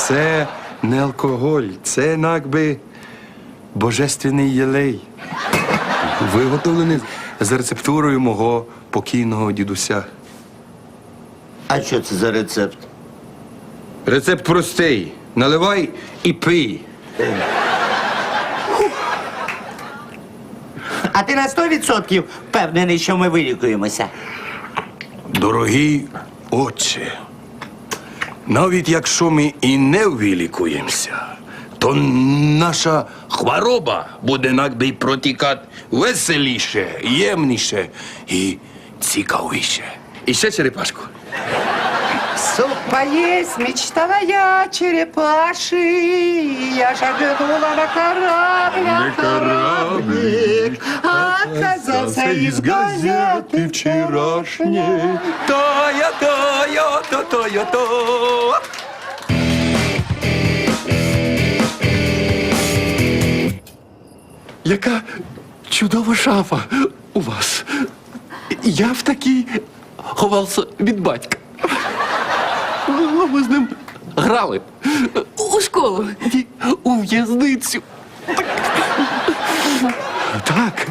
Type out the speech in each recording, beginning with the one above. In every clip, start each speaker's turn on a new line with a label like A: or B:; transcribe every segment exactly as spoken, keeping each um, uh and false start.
A: Це не алкоголь, це якби божественний єлей. Виготовлений за рецептурою мого покійного дідуся.
B: А що це за рецепт?
A: Рецепт простий. Наливай і пий.
B: А ти на сто відсотків впевнений, що ми вилікуємося?
A: Дорогий отче, навіть якщо ми і не вилікуємося, то наша хвороба буде якби протікати веселіше, ємніше і цікавіше. І ще черепашку.
C: Суп поесть мечтала я, черепаши. Я шагнула на корабль, а кораблик оказался из газеты вчерашней.
A: Тая, тая, та, тая, та.
D: Яка чудова шафа у вас. Я в такій ховався від батька. Ну, ми з ним грали.
E: У школу.
D: Ні, у в'язницю. Так.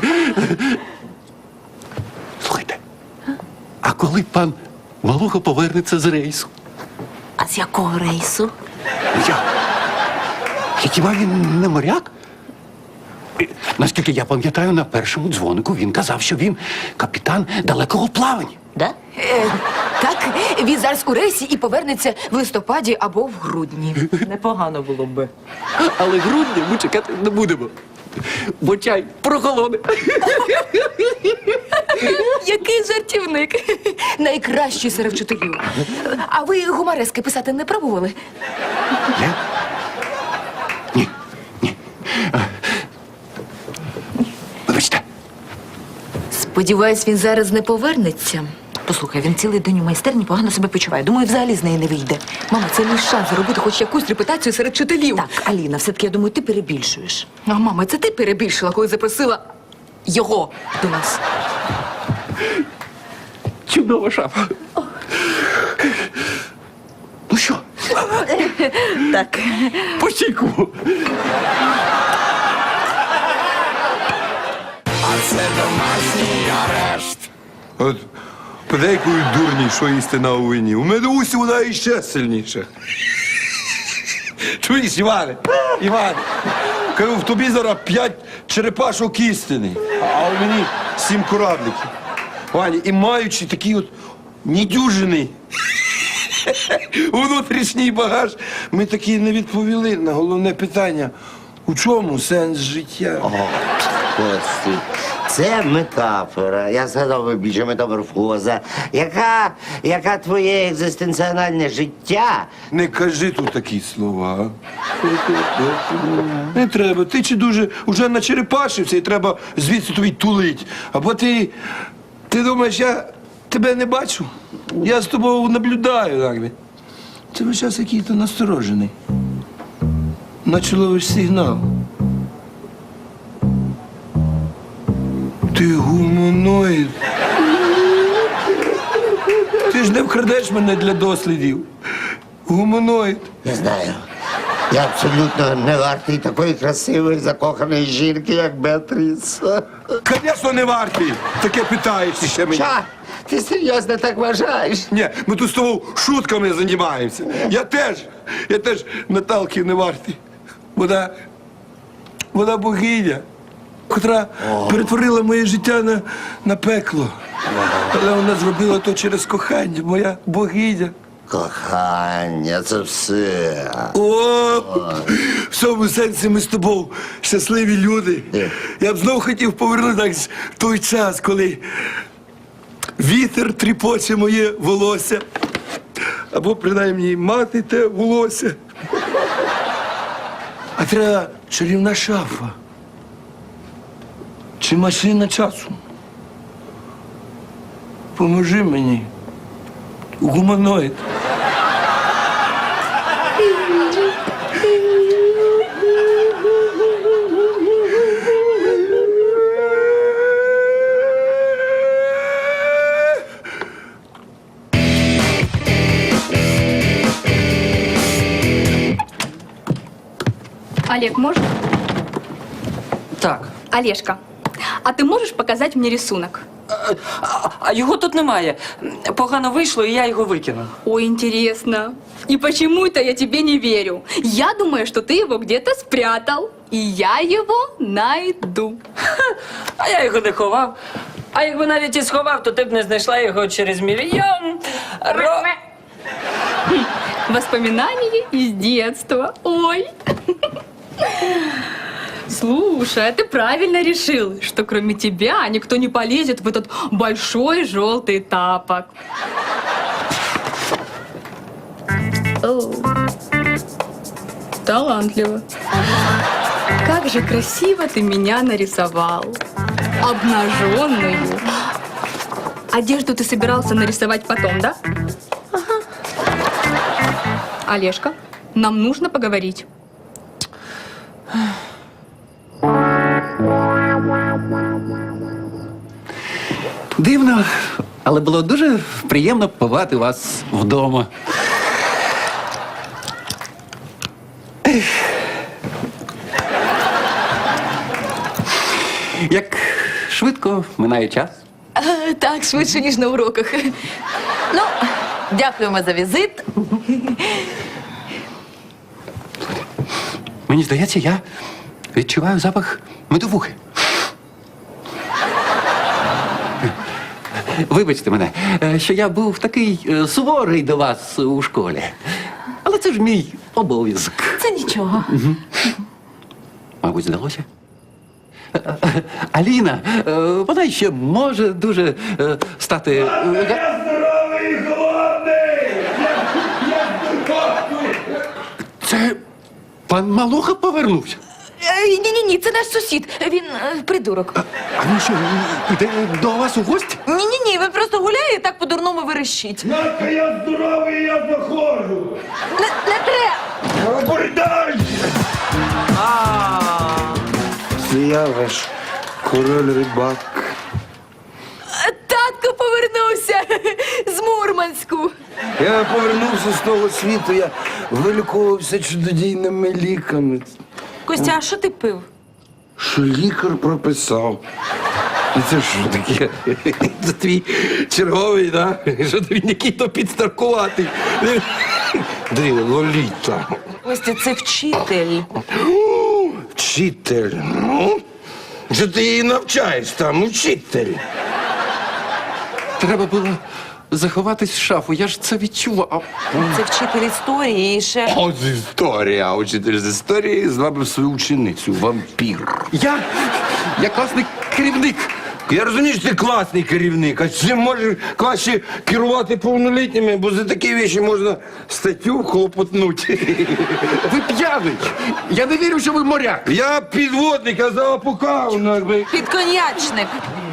D: Слухайте, а коли пан Малуха повернеться з рейсу?
E: А з якого рейсу?
D: Я. Хіба він не моряк? І, наскільки я пам'ятаю, на першому дзвонику він казав, що він капітан далекого плавання.
E: Да?
F: Е, так, він зараз у рейсі і повернеться в листопаді або в грудні.
E: Непогано було би.
D: Але грудня ми чекати не будемо. Бо чай прохолоне.
F: Який жартівник. Найкращий серед вчителів. А ви гуморески писати не пробували?
D: Я? Ні, ні. А, Вибачте.
F: Сподіваюсь, він зараз не повернеться. Послухай, він цілий день у майстерні погано себе почуває. Думаю, взагалі з неї не вийде. Мама, це мій шанс заробити хоч якусь репутацію серед вчителів.
E: Так, Аліна, все-таки, я думаю, ти перебільшуєш.
F: А, мама, це ти перебільшила, коли запросила його до нас.
D: Чудова шафа. Ну що,
E: Так.
D: по чайку?
A: От подейкують дурні, що істина у вині. У медусі вона іще сильніша. Чуєш, Іване? Іване, кажу, в тобі зараз п'ять черепашок істини, а у мені сім корабликів. Ваня, і маючи такий от недюжиний внутрішній багаж, ми таки не відповіли на головне питання. У чому сенс життя?
B: О, Кості, це метафора. Я згадав більше метаморфоза. Яка, яка твоє екзистенціональне життя?
A: Не кажи тут такі слова. Не треба. Ти чи дуже уже начерепашився і треба звідси тобі тулить. Або ти, ти думаєш, я тебе не бачу? Я з тобою наблюдаю, якби. Ти весь час який-то насторожений. Наче ловиш сигнал. Ти гуманоїд. Ти ж не вкрадеш мене для дослідів. Гуманоїд.
B: Я знаю. Я абсолютно не вартий такої красивої, закоханої жінки, як Беатріс.
A: Звісно, не вартий. Таке питаєш ще мені.
B: Ча, ти серйозно так вважаєш?
A: Ні, ми тут з тобою шутками займаємося. Я теж, я теж Наталки не вартий. Вона, вона богиня, котра перетворила моє життя на, на пекло. Але вона зробила то через кохання, моя богиня.
B: Кохання, це все.
A: О, в цьому сенсі ми з тобою щасливі люди. Я б знов хотів повернутися в той час, коли вітер тріпоче моє волосся. Або, принаймні, мати те волосся. А треба чарівна шафа. Чи машина часу? Поможи мені. Гуманоїд.
G: Олег, можешь?
H: Так.
G: Олежка, а ты можешь показать мне рисунок?
H: А, а його тут немає. Погано вийшло, і я його викинув.
G: Ой, интересно. И почему-то я тебе не верю. Я думаю, что ты его где-то спрятал. И я его найду.
H: А я його не ховав. А якби навіть і сховав, то ти б не знайшла його через мільйон. Ро...
G: Воспоминания из детства. Ой. Слушай, а ты правильно решил, что кроме тебя никто не полезет в этот большой желтый тапок. Оу. Талантливо. Как же красиво ты меня нарисовал. Обнаженную. Одежду ты собирался нарисовать потом, да? Ага. Олежка, нам нужно поговорить.
D: Дивно, але було дуже приємно побачити вас вдома. Ех. Як швидко минає час.
F: Е, Так, швидше, ніж на уроках. Ну, дякуємо за візит.
D: Мені здається, я відчуваю запах медовухи. Вибачте мене, е, що я був такий е, суворий до вас у школі. Але це ж мій обов'язок.
F: Це нічого.
D: Мабуть, здалося. Е, е, Аліна, е, вона ще може дуже е, стати. е, га-
A: Здоровий і голодний!
D: Це пан Малуха повернувся.
F: Ні-ні-ні, це наш сусід. Він е, придурок.
D: А він що, іде до вас у гості?
F: Ні-ні-ні, він просто гуляє і так по-дурному верещить.
A: Надка, я здоровий, я заходжу!
F: Не, не треба!
A: Бордай!
I: Це я ваш король рибак.
F: Татко повернувся з Мурманську.
I: Я повернувся з того світу, я вилікувався чудодійними ліками.
E: Костя, а що ти пив?
I: Що лікар прописав.
A: І це що таке? Це твій черговий, да? Що ти він який-то підстаркуватий. Ди, Лоліта.
E: Костя, це вчитель.
A: Вчитель. Ну, що ти її навчаєш там, учитель?
D: Треба було заховатись в шафу, я ж це відчував.
E: Це вчитель історії і ще...
A: Ось історія, учитель з історії звабив свою ученицю, вампір.
D: Я, я класний керівник.
A: Я розумію, що ти класний керівник, а чим можеш краще керувати повнолітніми, бо за такі речі можна статтю хлопотнути.
D: Ви п'яний. Я не вірю, що ви моряк.
A: Я підводник, я запукав, ну, якби.
E: Підконячник.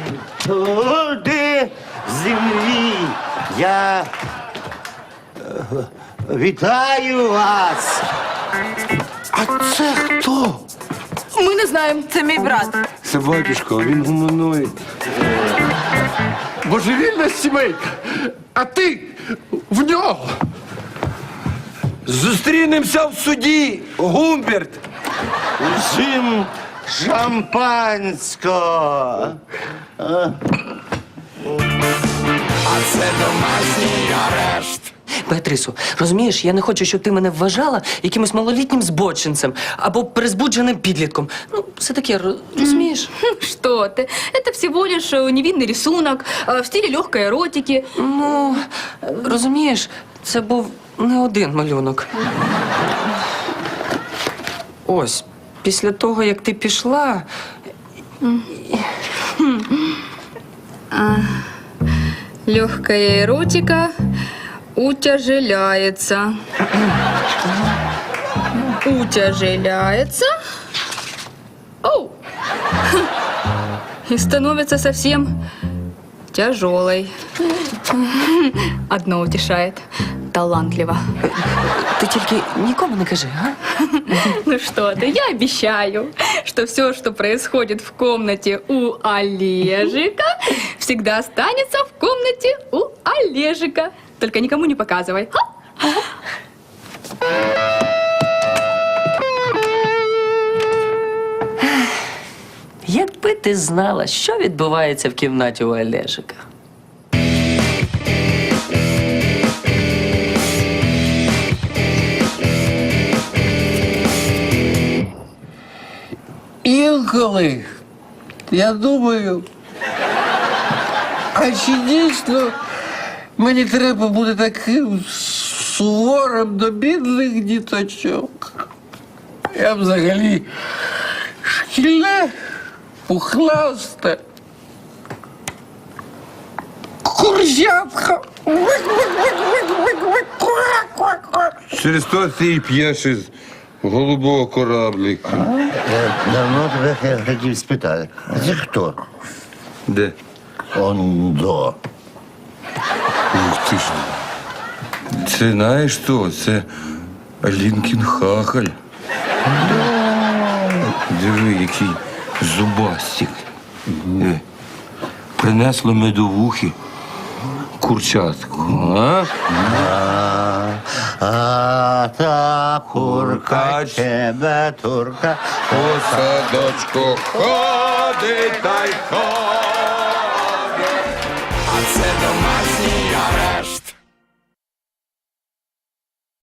B: Люди землі, я е, вітаю вас.
D: А це хто?
F: Ми не знаємо.
E: Це мій брат.
A: Це батюшко, він гуманоїд.
D: Божевільна сімейка. А ти в нього.
A: Зустрінемося в суді, Гумберт.
B: Всім шампанського.
H: Беатрисо, розумієш, я не хочу, щоб ти мене вважала якимось малолітнім збочинцем або перезбудженим підлітком. Ну, все таке, ро- розумієш?
G: Что ты? Это всего лишь э, невинный рисунок э, в стиле легкой эротики.
H: Ну, розумієш, це був не один малюнок. Ось, після того, як ти пішла,
G: Легкая эротика утяжеляется. Утяжеляется. Оу. И становится совсем тяжелой. Одно утешает. Талантливо.
H: ти тільки нікому не кажи, а?
G: Ну что ты, я обещаю, что все, что происходит в комнате у Олежика, всегда останется в комнате у Олежика. Только никому не показывай. Ха?
H: ти знала, що відбувається в кімнаті у Олежика.
I: Інколи я думаю, а чи дійсно мені треба бути таким суворим до бідних діточок? Я взагалі шкільне, пухласте, курчатка.
J: Через то ти і п'єш із голубого кораблика.
B: Я давно тебе хотів спитати. А це хто?
J: Де?
B: Ондо.
J: Ух ти ж. Це знаєш що? Це Алінкін хахаль. Диви, який зубастик. Е, Принесло медовухи курчатку. А?
B: А, а та курка,
J: Куркач.
B: тебе турка.
J: По садочку ходить та й ходить.